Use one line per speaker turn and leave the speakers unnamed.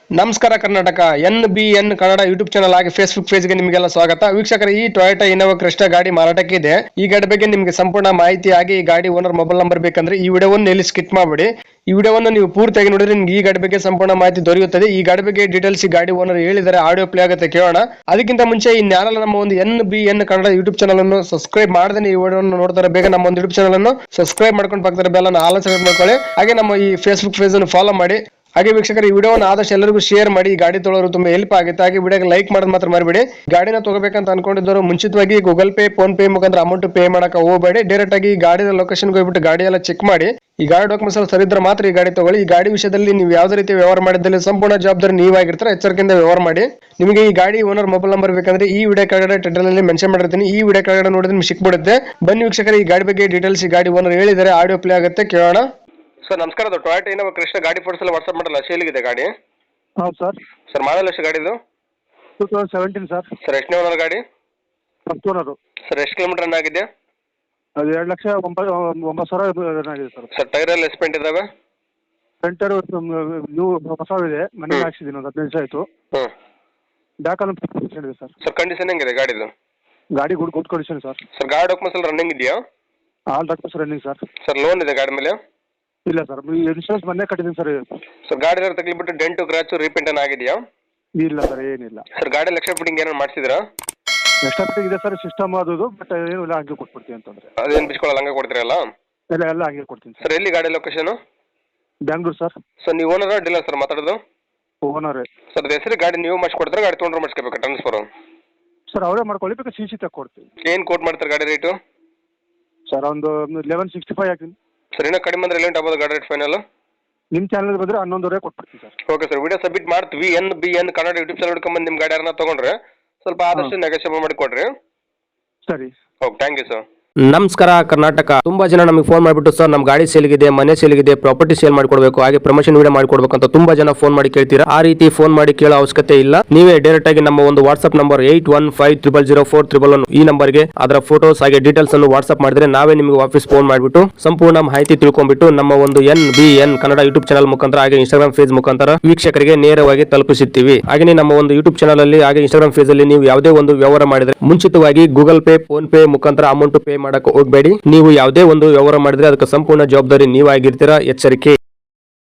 ನಮಸ್ಕಾರ Karnataka NBN Kannada YouTube channel ಆಗಿ Facebook ಪೇಜ್ಗೆ ನಿಮಗೆಲ್ಲ ಸ್ವಾಗತ. ವೀಕ್ಷಕರ, ಈ ಟೊಯೋಟಾ ಇನೋವಾ ಕ್ರಿಸ್ಟಾ ಗಾಡಿ ಮಾರಾಟಕ್ಕೆ ಇದೆ. ಈ ಗಾಡಿ ಬಗ್ಗೆ ನಿಮಗೆ ಸಂಪೂರ್ಣ ಮಾಹಿತಿ ಆಗಿ ಈ ಗಾಡಿ ಓನರ್ ಮೊಬೈಲ್ ನಂಬರ್ ಬೇಕಂದ್ರೆ ಈ ವಿಡಿಯೋವನ್ನು ಎಲ್ಲಿ ಸ್ಕಿಪ್ ಮಾಡಬೇಡಿ. ಈ ವಿಡಿಯೋವನ್ನು ನೀವು ಪೂರ್ತಿಯಾಗಿ ನೋಡಿದ್ರೆ ನಿಮ್ಗೆ ಈ ಗಾಡಿ ಬಗ್ಗೆ ಸಂಪೂರ್ಣ ಮಾಹಿತಿ ದೊರೆಯುತ್ತದೆ. ಈ ಗಾಡಿ ಬಗ್ಗೆ ಡೀಟೇಲ್ಸ್ ಈ ಗಾಡಿ ಓನರ್ ಹೇಳಿದರೆ ಆಡಿಯೋ ಪ್ಲೇ ಆಗುತ್ತೆ, ಕೇಳೋಣ. ಅದಕ್ಕಿಂತ ಮುಂಚೆ ಈ ನ್ಯಾನಲ್ ನಮ್ಮ ಒಂದು NBN ಕನ್ನಡ ಯೂಟ್ಯೂಬ್ ಚಾನಲ್ ಅನ್ನು ಸಬ್ಸ್ಕ್ರೈಬ್ ಮಾಡದೆ ಈ ವಿಡಿಯೋವನ್ನು ನೋಡ್ತಾರೆ ಬೇಗ ನಮ್ಮ ಒಂದು ಯೂಟ್ಯೂಬ್ ಚಾನಲ್ ಅನ್ನು ಸಬ್ಸ್ಕ್ರೈಬ್ ಮಾಡ್ಕೊಂಡು ಪಕ್ಕದ ಬೆಲ್ ಅನ್ನು ಆಲ್ ಸೆಲೆಕ್ಟ್ ಮಾಡ್ಕೊಳ್ಳಿ. ಹಾಗೆ ನಮ್ಮ ಈ ಫೇಸ್ಬುಕ್ ಪೇಜ್ ಅನ್ನು ಫಾಲೋ ಮಾಡಿ. ಹಾಗೆ ವೀಕ್ಷಕರು, ಈ ವಿಡಿಯೋನ ಆದಷ್ಟು ಎಲ್ಲರಿಗೂ ಶೇರ್ ಮಾಡಿ. ಈ ಗಾಡಿ ತೊಗೊಳ್ಳೋರು ತುಂಬಾ ಹೆಲ್ಪ್ ಆಗುತ್ತೆ. ಹಾಗೆ ವಿಡಿಯೋಗೆ ಲೈಕ್ ಮಾಡೋದು ಮಾತ್ರ ಮರಿಬೇಡಿ. ಗಾಡಿನ ತಗೋಬೇಕಂತ ಅನ್ಕೊಂಡಿದ್ದವರು ಮುಂಚಿತವಾಗಿ ಗೂಗಲ್ ಪೇ, ಫೋನ್ ಪೇ ಮುಖಾಂತರ ಅಮೌಂಟ್ ಪೇ ಮಾಡಕ್ಕೆ ಹೋಗಬೇಡಿ. ಡೈರೆಕ್ಟ್ ಆಗಿ ಗಾಡಿಯ ಲೊಕೇಶನ್ಗೆ ಹೋಗ್ಬಿಟ್ಟು ಗಾಡಿ ಎಲ್ಲ ಚೆಕ್ ಮಾಡಿ. ಈ ಗಾಡಿ ಡಾಕ್ಯುಮೆಂಟ್ಸ್ ಎಲ್ಲ ಸರಿ ಇದ್ರೆ ಮಾತ್ರ ಈ ಗಾಡಿ ತಗೊಳ್ಳಿ. ಈ ಗಾಡಿ ವಿಷಯದಲ್ಲಿ ನೀವು ಯಾವುದೇ ರೀತಿ ವ್ಯವಹಾರ ಮಾಡಿದಲ್ಲಿ ಸಂಪೂರ್ಣ ಜವಾಬ್ದಾರಿ ನೀವಾಗಿರ್ತಾರೆ. ಎಚ್ಚರಿಕೆಯಿಂದ ವ್ಯವಹಾರ ಮಾಡಿ. ನಿಮಗೆ ಈ ಗಾಡಿ ಓನರ್ ಮೊಬೈಲ್ ನಂಬರ್ ಬೇಕಂದ್ರೆ ಈ ವಿಡಿಯೋ ಕೆಳಗಡೆ ಟೈಟಲ್ ಅಲ್ಲಿ ಮೆನ್ಷನ್ ಮಾಡಿರ್ತೀನಿ. ಈ ವಿಡಿಯೋ ಕೆಳಗಡೆ ನೋಡಿದ್ರೆ ನಿಮ್ಗೆ ಸಿಕ್ಬಿಡುತ್ತೆ. ಬನ್ನಿ ವೀಕ್ಷಕರು, ಈ ಗಾಡಿ ಬಗ್ಗೆ ಡೀಟೇಲ್ಸ್ ಈ ಗಾಡಿ ಓನರ್ ಹೇಳಿದರೆ ಆಡಿಯೋ ಪ್ಲೇ ಆಗುತ್ತೆ, ಕೇಳೋಣ. ಸರ್ ನಮಸ್ಕಾರ. ಅದು ಟೊಯೋಟಾ ಇನೋವಾ ಕ್ರಿಸ್ಟಾ ಗಾಡಿ ಫೋಟೋಸ್ ಎಲ್ಲ ವಾಟ್ಸ್ಆಪ್ ಮಾಡಲ್ಲ, ಸೇಲಿಗಿದೆ ಗಾಡಿ?
ಹೌದು ಸರ್.
ಸರ್ ಮಾಡಲ್ ಎಷ್ಟು ಗಾಡಿದು?
2017 ಸರ್.
ಸರ್ ಎಷ್ಟನೇ ಓನರ್ ಗಾಡಿ?
First owner.
ಸರ್ ಎಷ್ಟು ಕಿಲೋಮೀಟರ್ ರನ್ ಆಗಿದೆ?
ಅದು 2,09,000 ರನ್ ಆಗಿದೆ ಸರ್.
ಸರ್ ಟೈರ್ ಎಲ್ಲ ಎಸ್ಪೆಂಟ್ ಇದಾವೆ?
ಫ್ರಂಟ್ ಟೈರ್ ನ್ಯೂ ಹೊಸವಿದೆ, ಮನೆ ಹಾಕ್ಸಿದ್ದೀನಿ, ಒಂದು 15 ದಿವಸ ಆಯಿತು.
ಹ್ಞೂ.
ಬ್ಯಾಕ್ ಅಲ್ಲಿ ಕಂಡೀಷನ್ ಇದೆ ಸರ್.
ಸರ್ ಕಂಡೀಷನ್ ಹೆಂಗಿದೆ ಗಾಡಿದು?
ಗಾಡಿ ಗುಡ್ ಕಂಡೀಷನ್ ಸರ್.
ಸರ್ ಗಾಡಿ ಡಾಕ್ಯುಮೆಂಟ್ಸ್ ಎಲ್ಲ ರನ್ನಿಂಗ್ ಇದೆಯಾ?
All documents running sir.
Sir loan ಇದೆ ಗಾಡಿ ಮೇಲೆ?
ಇಲ್ಲ ಸರ್, ಇನ್ಶೂರೆನ್ಸ್ ಮೊನ್ನೆ ಕಟ್ಟಿದ್ದೀನಿ ಸರ್.
ಸರ್ ಗಾಡಿ ಎಲ್ಲ ತಗ್ಲಿಬಿಟ್ಟು ಡೆಂಟು ಕ್ರಾಚು ರೀಪೇಂಟ್ ಏನು ಆಗಿದೆಯಾ?
ಇಲ್ಲ ಸರ್, ಏನಿಲ್ಲ.
ಸರ್ ಗಾಡಿ ಲಕ್ಷ ಫಿಟ್ಟಿಂಗ್ ಏನಾರು ಮಾಡಿಸಿದ್ರಾ?
ಎಕ್ಸ್ಟ್ರಾ ಫಿಟ್ಟಿಂಗ್ ಇದೆ ಸರ್, ಸಿಸ್ಟಮ್ ಅದು, ಬಟ್ ಏನು ಇಲ್ಲ, ಹಂಗೆ ಕೊಟ್ಬಿಡ್ತೀನಿ ಅಂತಂದ್ರೆ.
ಅದೇನು ಬಿಚ್ಕೊಳ್ಳಲ್ಲ, ಹಂಗೆ ಕೊಡ್ತೀರಲ್ಲ?
ಎಲ್ಲ ಹಂಗೆ ಕೊಡ್ತೀನಿ ಸರ್.
ಸರ್ ಎಲ್ಲಿ ಗಾಡಿ ಲೊಕೇಶನು?
ಬ್ಯಾಂಗ್ಳೂರು ಸರ್.
ಸರ್ ನೀವು ಓನರ್ ಡೀಲರ್ ಸರ್ ಮಾತಾಡೋದು?
ಓನರೇ
ಸರ್. ಅದು ಹೆಸರು ಗಾಡಿ ನೀವು ಮಾಡಿಸ್ಕೊಡ್ತಾರೆ, ಗಾಡಿ ತೊಗೊಂಡ್ರೆ ಮಾಡಿಸ್ಕೋಬೇಕು ಟ್ರಾನ್ಸ್ಫರು?
ಸರ್ ಅವರೇ ಮಾಡ್ಕೊಳ್ಳಿ, ಬೇಕಾದ್ರೆ CC ತಗೊಡ್ತೀವಿ.
ಏನು ಕೋಟ್ ಮಾಡ್ತಾರೆ ಗಾಡಿ ರೇಟು?
ಸರ್ ಒಂದು 1165 ಹಾಕ್ತೀನಿ.
ಸರ್ ಇನ್ನೂ ಕಡಿಮೆ ಅಂದ್ರೆ ಎಲ್ಲಿ ಆಗ್ಬೋದು ಗಾಡಿ ರೇಟ್ ಫೈನಲ್?
ನಿಮ್ಮ ಚಾನಲ್ ಬಂದರೆ 11,000 ಕೊಟ್ಬಿಡ್ತೀನಿ sir.
Okay sir, video submit ಮಾಡ್ತೀವಿ. NBN ಕನ್ನಡ ಯೂಟ್ಯೂಬ್ ಚಾನಲ್ ಹಿಡ್ಕೊಂಬಂದು ನಿಮ್ಮ ಗಾಡಿ ಯಾರನ್ನ ತೊಗೊಂಡ್ರೆ ಸ್ವಲ್ಪ ಆದಷ್ಟು ನೆಗೋಷಿಯೇಟ್ ಮಾಡಿ ಕೊಡ್ರಿ.
ಸರಿ.
Okay, thank you sir.
ನಮಸ್ಕಾರ ಕರ್ನಾಟಕ. ತುಂಬಾ ಜನ ನಮಗೆ ಫೋನ್ ಮಾಡಿಬಿಟ್ಟು ಸರ್ ನಮ್ಮ ಗಾಡಿ ಸೇಲ್ಗಿದೆ, ಮನೆ ಸೇಲ್ಗಿದೆ, ಪ್ರಾಪರ್ಟಿ ಸೇಲ್ ಮಾಡಿಕೊಡ್ಬೇಕು, ಹಾಗೆ ಪ್ರಮೋಷನ್ ವಿಡಿಯೋ ಮಾಡಿಕೊಡ್ಬೇಕು ಅಂತ ತುಂಬಾ ಜನ ಫೋನ್ ಮಾಡಿ ಕೇಳ್ತೀರಾ. ಆ ರೀತಿ ಫೋನ್ ಮಾಡಿ ಕೇಳೋ ಅವಶ್ಯಕತೆ ಇಲ್ಲ. ನೀವೇ ಡೈರೆಕ್ಟ್ ಆಗಿ ನಮ್ಮ ಒಂದು ವಾಟ್ಸ್ಆಪ್ ನಂಬರ್ 81500411 ಈ ನಂಬರ್ಗೆ ಅದರ ಫೋಟೋಸ್ ಹಾಗೆ ಡೀಟೇಲ್ಸ್ ಅನ್ನು ವಾಟ್ಸ್ಆಪ್ ಮಾಡಿದ್ರೆ ನಾವೇ ನಿಮಗೆ ವಾಪಸ್ ಫೋನ್ ಮಾಡಿಬಿಟ್ಟು ಸಂಪೂರ್ಣ ಮಾಹಿತಿ ತಿಳ್ಕೊಂಡ್ಬಿಟ್ಟು ನಮ್ಮ ಒಂದು NBN ಕನ್ನಡ ಯೂಟ್ಯೂಬ್ ಚಾನಲ್ ಮುಖಾಂತರ ಹಾಗೆ ಇನ್ಸ್ಟಾಗ್ರಾಮ್ ಪೇಜ್ ಮುಖಾಂತರ ವೀಕ್ಷಕರಿಗೆ ನೇರವಾಗಿ ತಲುಪಿಸುತ್ತೀವಿ. ಹಾಗೆ ನಮ್ಮ ಒಂದು ಯೂಟ್ಯೂಬ್ ಚಾನಲ್ ಅಲ್ಲಿ ಹಾಗೆ ಇನ್ಸ್ಟಾಗ್ರಾಮ್ ಪೇಜ್ ಅಲ್ಲಿ ನೀವು ಯಾವುದೇ ಒಂದು ವ್ಯವಹಾರ ಮಾಡಿದ್ರೆ ಮುಂಚಿತವಾಗಿ ಗೂಗಲ್ ಪೇ, ಫೋನ್ ಪೇ ಮುಖಾಂತರ ಅಮೌಂಟ್ ಪೇ ಮಾಡಕ್ಕೆ ಹೋಗಬೇಡಿ. ನೀವು ಯಾವುದೇ ಒಂದು ವ್ಯವಹಾರ ಮಾಡಿದ್ರೆ ಅದಕ್ಕೆ ಸಂಪೂರ್ಣ ಜವಾಬ್ದಾರಿ ನೀವಾಗಿರ್ತೀರಾ. ಎಚ್ಚರಿಕೆ.